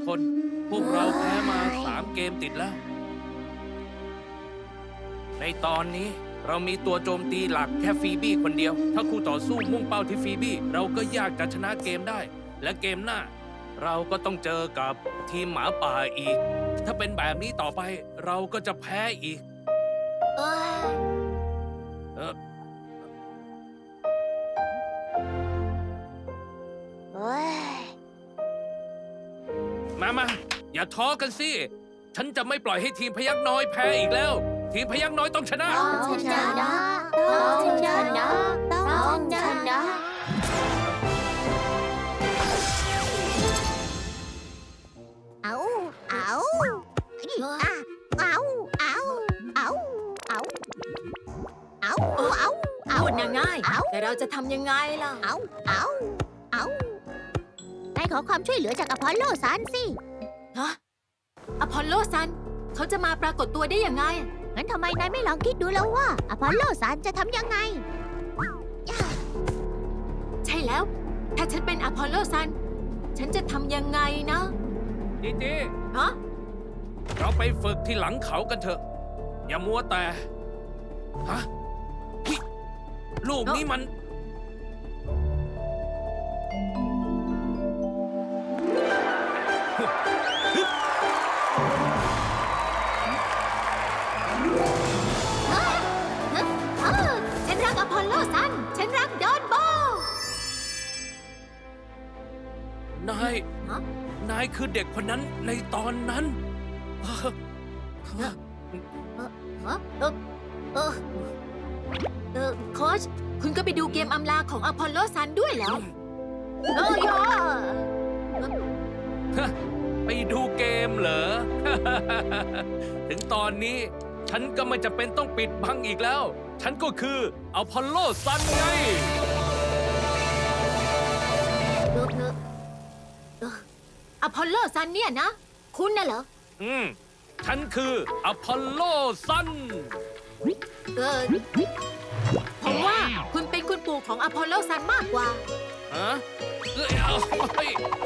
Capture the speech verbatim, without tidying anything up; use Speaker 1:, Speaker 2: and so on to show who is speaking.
Speaker 1: คน พวกเราแพ้มาสามเกมติดแล้ว ในตอนนี้เรามีตัวโจมตีหลักแค่ฟีบี้คนเดียว ถ้าคู่ต่อสู้มุ่งเป้าที่ฟีบี้เราก็ยากจะชนะเกมได้ และเกมหน้า เราก็ต้องเจอกับทีมหมาป่าอีก ถ้าเป็นแบบนี้ต่อไปเราก็จะแพ้อีก
Speaker 2: เอ้ย
Speaker 1: เออ
Speaker 2: เอ้ย
Speaker 1: มามาอย่าท้อกันสิ ฉันจะไม่ปล่อยให้ทีมพยักน้อยแพ้อีกแล้ว ทีมพยักน้อยต้องชนะ
Speaker 2: ต้องชนะต้องชนะต้องชนะ เอาเอาอะเอาเอาเอาเอาเอาเอาเอา
Speaker 3: พูดง่าย
Speaker 2: เอา
Speaker 3: ๆแต่เราจะทำยังไงล่ะ
Speaker 2: เอาเอาเอานายขอความช่วยเหลือจากอพอลโลซันสิ
Speaker 3: ฮะ อพอลโลซัน เขาจะมาปรากฏตัวได้ยังไง
Speaker 2: งั้นทำไมนายไม่ลองคิดดูแล้วว่าอพอลโลซันจะทำยังไง
Speaker 3: ใช่แล้ว ถ้าฉันเป็นอพอลโลซัน ฉันจะทำยังไงนะ
Speaker 1: จีจี
Speaker 3: ฮะ
Speaker 1: เราไปฝึกที่หลังเขากันเถอะ อย่ามัวแต่ ฮะเฮ้ยลูกนี้มัน
Speaker 3: เออ ฉันรักอพอลโลซัน ฉันรักดอนโบ
Speaker 1: นาย
Speaker 3: ฮะ
Speaker 1: นายคือเด็กคนนั้นในตอนนั้น
Speaker 3: ฮะเออเออเออเออโค้ชคุณก็ไปดูเกมอำลาของอพอลโลซันด้วยเหรอเออยอ
Speaker 1: ไปดูเกมเหรอ ถึงตอนนี้ฉันก็ไม่จะเป็นต้องปิดบังอีกแล้ว ฉันก็คืออพอลโลซันไง
Speaker 3: เออเออเอออพอลโลซันเนี่ยนะ คุณน่ะเหรอ
Speaker 1: อืม ฉันคืออพอลโลซัน
Speaker 3: เออผมว่าคุณเป็นคุณปู่ของอพอลโลซันมากกว่า
Speaker 1: ฮะเอ้ยเอาเฮ้ย